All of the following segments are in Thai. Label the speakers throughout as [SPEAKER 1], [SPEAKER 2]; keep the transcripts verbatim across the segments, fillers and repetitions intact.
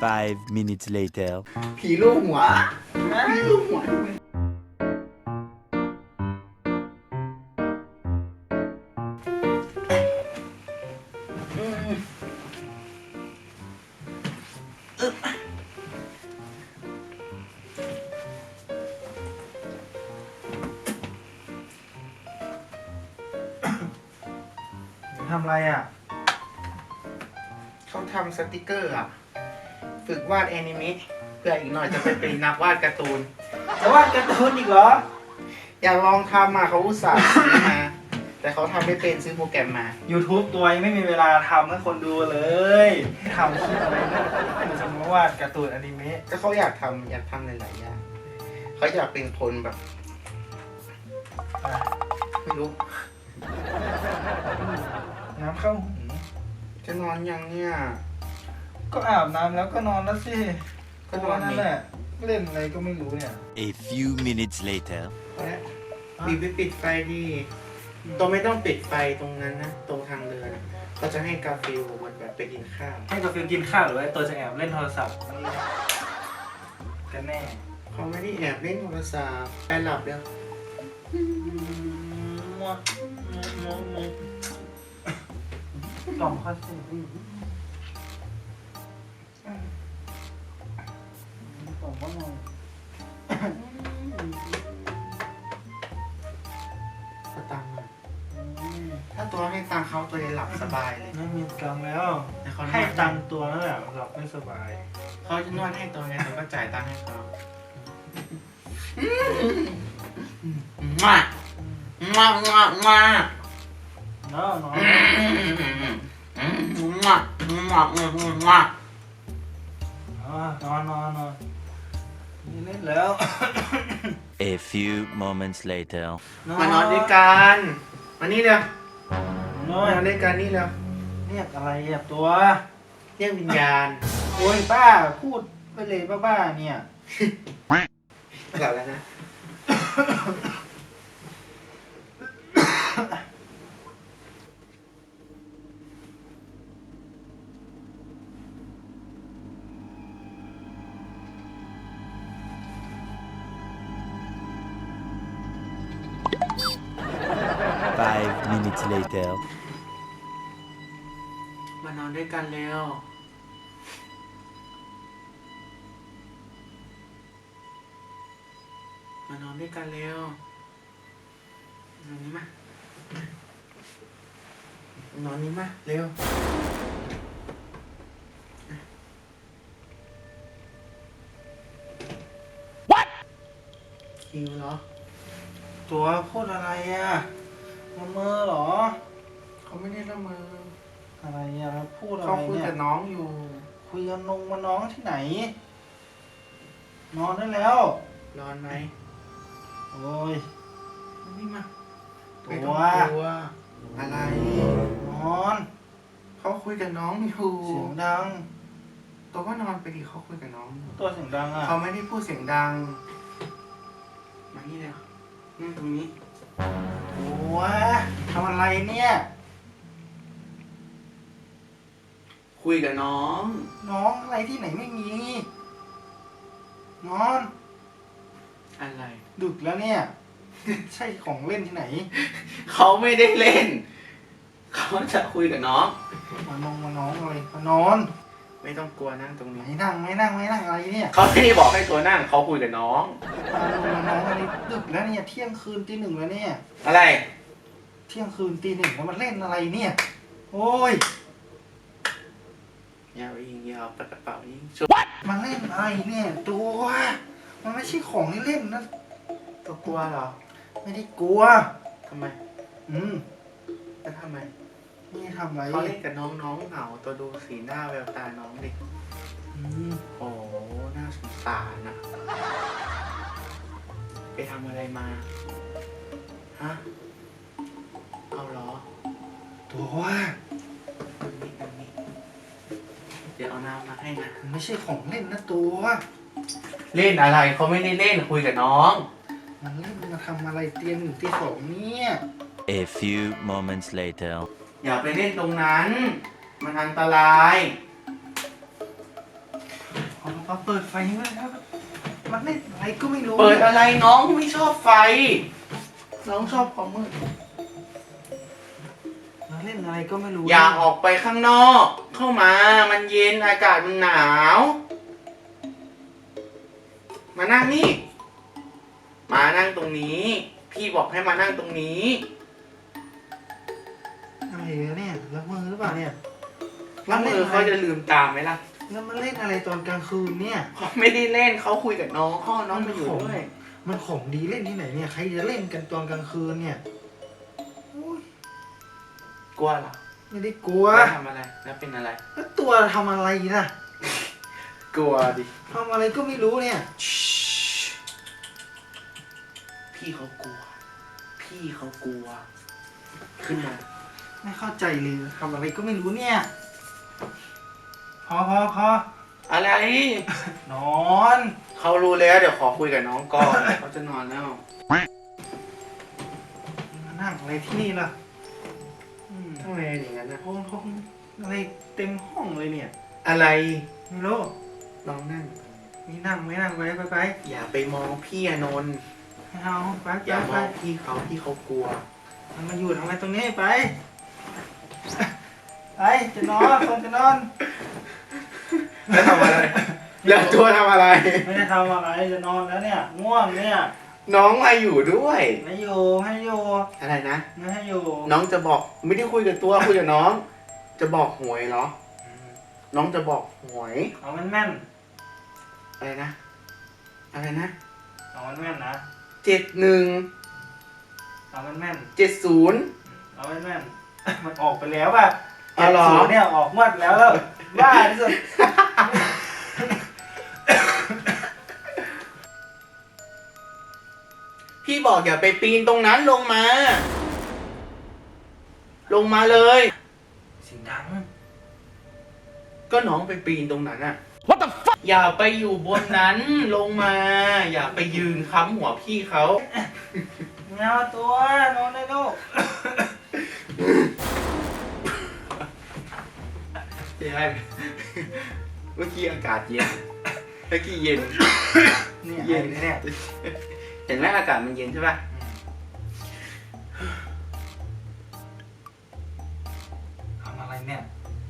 [SPEAKER 1] Five minutes later.
[SPEAKER 2] ผีลูกหัวผีลูกหัว
[SPEAKER 3] ทำอะไรอ่ะ
[SPEAKER 2] เขาทำสติกเกอร์อ่ะ ฝึกวาดแอนิเมะเพื่ออีกหน่อยจะไปเป็นนักวาดการ์ตูน
[SPEAKER 3] จะวาดการ์ตูนอีกเหรอ
[SPEAKER 2] อยากลองทำมาเขาอุตส่าห์ซื้อมา แต่เขาทำไม่เป็นซื้อโปรแกรมมา
[SPEAKER 3] YouTube ตัวยังไม่มีเวลาทำให้คนดูเลยทำคลิปอะไรนะมันจะมาวาดการ์ตูนอนิเมะ
[SPEAKER 2] ก็เขาอยากทำอยากทำหลายๆอย่างเขาอยากเป็นคนแบบ
[SPEAKER 3] อ่ะ
[SPEAKER 2] ไม่รู้
[SPEAKER 3] น้ำเข้าหู
[SPEAKER 2] จะนอนยังเนี่ย
[SPEAKER 3] ก็อาบน้ำแล้วก็นอนแล้วสิ
[SPEAKER 2] ก็นอนนี่
[SPEAKER 3] นั่นแหละเล่นอะไรก็ไม่รู้เนี่ย
[SPEAKER 1] A few minutes later.
[SPEAKER 2] และบีบไปปิดไฟดีตัวไม่ต้องปิดไฟตรงนั้นนะ ตรงทางเดินอะก็จะให้กาฟิลมันแบบไปกินข้าว
[SPEAKER 3] ให้กาแฟกินข้าวหรือว่าตัวจะแอบเล่นโทรศัพท์กันแน่
[SPEAKER 2] เขาไม่ได้แอบเล่นโทรศัพท์ไปหลับเดี๋ยว
[SPEAKER 3] ลองข้อสิผมว่ามอง
[SPEAKER 2] สตังค์อะถ้าตัวให้ตังค์เขาตัวจะหลับสบายเลย
[SPEAKER 3] ไม่มีตังค์แล้ว
[SPEAKER 2] แต่เขา
[SPEAKER 3] ให้ตังค์ตัวนั่นแหละหลับไม่สบาย
[SPEAKER 2] เขาจะนวดให้ตัวไงแต่ก็จ่ายตังค์ให้เขามามามามา
[SPEAKER 3] เนาะนอน
[SPEAKER 2] มามามา
[SPEAKER 3] นอนนอนนอนนี่เล่นแล้ว
[SPEAKER 1] A few moments later.
[SPEAKER 2] มานอนด้วยกันมานี่เร็วน
[SPEAKER 3] อ
[SPEAKER 2] มาน นด้วยกันนี่เร็ว
[SPEAKER 3] เรียกอะไรอ่ะตัว
[SPEAKER 2] เรียกวิญญาณ
[SPEAKER 3] โอ้ยป้าพูดไปเลยบ้าๆเนี่ย
[SPEAKER 2] กลับแล้วนะ
[SPEAKER 1] Five minutes later.
[SPEAKER 2] มานอนด้วยกันเร็วมานอนด้วยกันเร็วนอนนี้มานอนนี้มาเร็วคิวเหรอ
[SPEAKER 3] ตัวพูดอะไรอ่ะละเมอเหรอ
[SPEAKER 2] เขาไม่ได้ละเมอ
[SPEAKER 3] อะไรอ่ะแล้วพูดอะไร
[SPEAKER 2] เขาคุย
[SPEAKER 3] เนี่ย
[SPEAKER 2] กับน้องอยู่
[SPEAKER 3] คุยกับนงมาน้องที่ไหน นอนได้แล้ว
[SPEAKER 2] ร้อนไหม
[SPEAKER 3] โอ้ย
[SPEAKER 2] นี่มา
[SPEAKER 3] ตัว
[SPEAKER 2] ไม่ต้องกลัวอะไร
[SPEAKER 3] นอน
[SPEAKER 2] เขาคุยกับน้องอยู่
[SPEAKER 3] เสียงดัง
[SPEAKER 2] ตัวก็นอนไปดิเขาคุยกับน้องอยู่
[SPEAKER 3] ตัวเสียงดังอ่ะ
[SPEAKER 2] เขาไม่ได้พูดเสียงดัง มานี่เลยนั่งตรงนี้
[SPEAKER 3] โอ้ยทำอะไรเนี่ย
[SPEAKER 2] คุยกับน้อง
[SPEAKER 3] น้องอะไรที่ไหนไม่มี นอน
[SPEAKER 2] อะไร
[SPEAKER 3] ดึกแล้วเนี่ย ใช่ของเล่นที่ไหน
[SPEAKER 2] เขาไม่ได้เล่น เขาจะคุยกับน้อง
[SPEAKER 3] มานงมาน้องอะไรมานอน
[SPEAKER 2] ไม่ต้องกลัวนั่งตรงนี้
[SPEAKER 3] ไม่นั่งไม่นั่งไม่นั่งอะไรเนี่ย
[SPEAKER 2] เขาไม่ได้บอกให้ตัวนั่ง เขาคุยกับน้อง
[SPEAKER 3] มานงมาน้องอะไรดึกแล้วเนี่ยเที่ยงคืนตีหนึ่งแล้วเนี่ย
[SPEAKER 2] อะไร
[SPEAKER 3] เที่ยงคืนตีหนึ่งแล้วมันเล่นอะไรเนี่ย โอ้ย
[SPEAKER 2] ยาวยิงยาวปากกระเป๋ายิงชุบ
[SPEAKER 3] มันเล่นอะไรเนี่ยตัวมันไม่ใช่ของที่เล่นนะ
[SPEAKER 2] ตัวกลัวเหรอ
[SPEAKER 3] ไม่ได้กลัว
[SPEAKER 2] ทำไม
[SPEAKER 3] อืม
[SPEAKER 2] แล้วทำไม
[SPEAKER 3] นี่ทำอะไร
[SPEAKER 2] เขาเล่นกับน้องน้องเหงาตัวดูสีหน้าแววตาน้องดิ
[SPEAKER 3] อืม
[SPEAKER 2] โอ้น่าสงสารนะไปทำอะไรมา ฮะ เอาเหรอ
[SPEAKER 3] ตัว
[SPEAKER 2] ตรงนี้ตรงนี้ เดี๋ยวเอาน้ำมาให้นะ
[SPEAKER 3] มันไม่ใช่ของเล่นนะตัว
[SPEAKER 2] เล่นอะไรเขาไม่ได้เล่นคุยกับน้อง
[SPEAKER 3] มันเล่นมาทำอะไรเตียงหนึ่งตีสองเนี่ย
[SPEAKER 1] A few moments later.
[SPEAKER 2] อย่าไปเล่นตรงนั้น มันอันตราย
[SPEAKER 3] โเขาเปิดไฟไว้แล้วมันเล่นอะไรก็ไม่รู้
[SPEAKER 2] เปิดอะไรน้องไม่ชอบไฟ น้องชอบความมืด
[SPEAKER 3] มันเล่นอะไรก็ไม่รู้
[SPEAKER 2] อย่าออกไปข้างนอก เข้ามา มันเย็นอากาศมันหนาว มานั่งนี่ มานั่งตรงนี้ พี่บอกให้มานั่งตรงนี้
[SPEAKER 3] อะไรเนี่ยแล้วมือหรือเปล่าเนี่ย
[SPEAKER 2] แล้วมือเขาจะลืมตาไหมล่ะ
[SPEAKER 3] แล้วมันเล่นอะไรตอนกลางคืนเนี่ย
[SPEAKER 2] เขาไม่ได้เล่นเขาคุยกับน้องเขาเอาน้องมาอยู่ด้วย
[SPEAKER 3] มันของดีเล่นที่ไหนเนี่ยใครจะเล่นกันตอนกลางคืนเนี่ยโอ้ย
[SPEAKER 2] กลัวเหรอ
[SPEAKER 3] ไม่ได้กลัว
[SPEAKER 2] แล้วทำอะไร แล้วเป็นอะไร
[SPEAKER 3] แล้วตัวทำอะไรนะ
[SPEAKER 2] กลัวดิ
[SPEAKER 3] ทำอะไรก็ไม่รู้เนี่ย
[SPEAKER 2] พี่เขากลัว พี่เขากลัว ขึ้นมา
[SPEAKER 3] ไม่เข้าใจเลยทำอะไรก็ไม่รู้เนี่ยพอพอพอ
[SPEAKER 2] อะไร
[SPEAKER 3] นอน
[SPEAKER 2] เขารู้แล้วเดี๋ยวขอคุยกับน้องก่อน เขาจะนอนแล้ว
[SPEAKER 3] มานั่งอะไรที่นี่ล่ะ
[SPEAKER 2] ทำไมอย่างนั้นนะ
[SPEAKER 3] ห้องห้องอะไรเต็มห้องเลยเนี่ย
[SPEAKER 2] อะไร
[SPEAKER 3] ไม่รู้
[SPEAKER 2] ลองนั่ง
[SPEAKER 3] นี่นั่งไม่นั่งไปไปไป
[SPEAKER 2] อย่าไปมองพี่อนนท์
[SPEAKER 3] ไม่เอาไป
[SPEAKER 2] อ
[SPEAKER 3] ไป
[SPEAKER 2] ย่าม
[SPEAKER 3] ไป
[SPEAKER 2] องพี่เขาพี่เขากลัว
[SPEAKER 3] มันมาอยู่ทำไมตรงนี้ไปไปจะนอนคนจะนอน
[SPEAKER 2] แล้วทำอะไร แล้วตัวทำอะไร
[SPEAKER 3] ไม่ได้ทำอะไรจะนอนแล้วเนี่ยง่วงเนี่ย
[SPEAKER 2] น้องมาอยู่ด้วย
[SPEAKER 3] ไม่อยู่ให้อยู่
[SPEAKER 2] อะไรนะ
[SPEAKER 3] ไม่ให้อยู่
[SPEAKER 2] น้องจะบอกไม่ได้คุยกับตัวคุยกับน้อง จะบอกหวยเหรอ น้องจะบอกหวย
[SPEAKER 3] เอาแม่นแม่น
[SPEAKER 2] อะไรนะ อะไรนะ
[SPEAKER 3] เอาแม่นแม่นนะ
[SPEAKER 2] เจ็ดหนึ่ง
[SPEAKER 3] เอาแม่นแม่น
[SPEAKER 2] เจ็ดศูนย์
[SPEAKER 3] เอาแม่นแม่นมันออกไปแล้วป่ะ
[SPEAKER 2] อ๋อเหรอ
[SPEAKER 3] ศูนย์เนี่ยออกงวดแล้วแล้วบ้าที่สุด
[SPEAKER 2] พี่บอกอย่าไปปีนตรงนั้นลงมา ลงมาเลย
[SPEAKER 3] เสียงดัง
[SPEAKER 2] ก็น้องไปปีนตรงนั้นอะ What the fuck อย่าไปอยู่บนนั้นลงมา อย่าไปยืนค้ำหัวพี่เขา
[SPEAKER 3] เงาตัวนอนได้ลูก
[SPEAKER 2] ใช่เมื่อกี้อากาศเย็น เมื่อกี้เย็น
[SPEAKER 3] เนี่ย
[SPEAKER 2] เย็น
[SPEAKER 3] เนี่ย
[SPEAKER 2] เห็นไหมอากาศมันเย็นใช่ปะ
[SPEAKER 3] ทำอะไรเนี่ย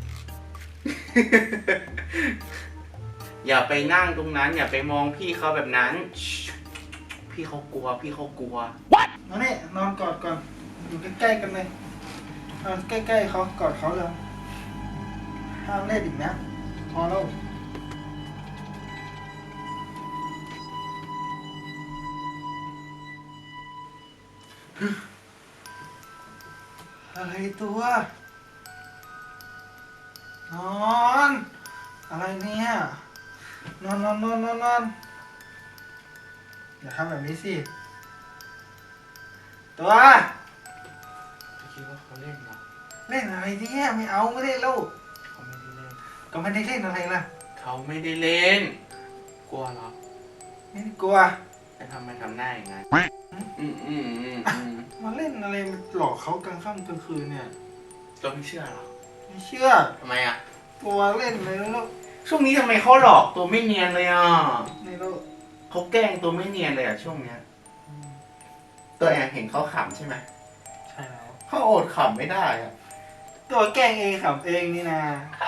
[SPEAKER 2] อย่าไปนั่งตรงนั้น อย่าไปมองพี่เขาแบบนั้น พี่เขากลัว พี่เขากลัว
[SPEAKER 3] มาเนี่ยนอนกอดก่อนอยู่ใกล้ๆกันเลยนอนใกล้ๆเขากอดเขาเลยห้ามเล่นอีกนะพอแล้วอะไรตัวนอนอะไรเนี่ยนอนนอนนอนนอนนอนอย่าทำแบบนี้สิตัว
[SPEAKER 2] คิดว่าเขาเล่นเหรอ
[SPEAKER 3] เล่นอะไรเนี่ยไม่เอาไม่เล่นแล้ว
[SPEAKER 2] เขาไม่ได้เล่น
[SPEAKER 3] ก็ไม่ได้เล่นอะไรล่ะ
[SPEAKER 2] เขาไม่ได้เล่น กลัวเหรอ
[SPEAKER 3] ไม่ได้กลัว
[SPEAKER 2] แต่ทำไมทำหน้าอย่างนั้นอืมอืมอืมอืม
[SPEAKER 3] มาเล่นอะไรหลอกเขากลางค่ำกลางคืนเนี่ย
[SPEAKER 2] ตัวไม่เชื่อเหรอ
[SPEAKER 3] ไม่เชื่อ
[SPEAKER 2] ทำไมอ่ะ
[SPEAKER 3] กลัวเล่นเลยแล้ว
[SPEAKER 2] ช่วงนี้ทำไมเขาหลอกตัวไม่เนียนเลยอ่ะ
[SPEAKER 3] ไม่รู้
[SPEAKER 2] เขาแกล้งตัวไม่เนียนเลยอ่ะช่วงเนี้ย ตัวแอบเห็นเขาขำใช่ไหม
[SPEAKER 3] ใช่แล้ว
[SPEAKER 2] เขาอดขำไม่ได้อ่ะ
[SPEAKER 3] ตัวแกล้งเองขำเองนี่นะ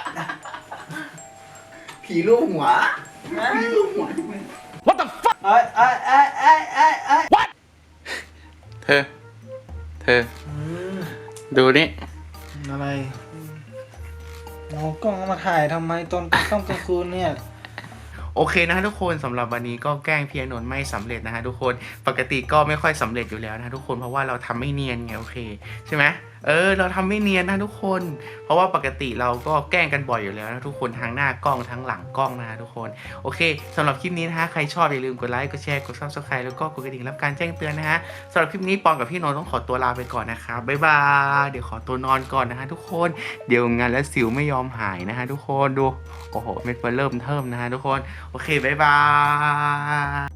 [SPEAKER 2] ผีลูกหัวผีลูกหัว What the fuck
[SPEAKER 3] ไอ้ไอ้ไอ้ไอ้ไอ้ไอ้
[SPEAKER 2] เธอ เธอ ดูนี่
[SPEAKER 3] อะไรเอากล้องมาถ่ายทำไมตอนกลางค่ำกลางคืนเนี่ย
[SPEAKER 2] โอเคนะทุกคนสำหรับวันนี้ก็แกล้งพี่อนนท์ไม่สำเร็จนะฮะทุกคนปกติก็ไม่ค่อยสำเร็จอยู่แล้วนะทุกคนเพราะว่าเราทำไม่เนียนไงโอเคใช่ไหมเออเราทำไม่เนียนนะทุกคน เพราะว่าปกติเราก็แกล้งกันบ่อยอยู่แล้วนะทุกคนทั้งหน้ากล้องทั้งหลังกล้องนะฮะทุกคนโอเคสำหรับคลิปนี้นะฮะใครชอบอย่าลืมกดไลค์กดแชร์กด ซับสไครบ์ แล้วก็กดกระดิ่งรับการแจ้งเตือนนะฮะสำหรับคลิปนี้ปอนกับพี่นนท์ต้องขอตัวลาไปก่อนนะครับบ๊ายบายเดี๋ยวขอตัวนอนก่อนนะฮะทุกคนเดี๋ยวงานและสิวไม่ยอมหายนะฮะทุกคนดูโอ้โหเม็ดเฟิร์นเริ่มเทิมนะฮะทุกคนโอเคบ๊ายบาย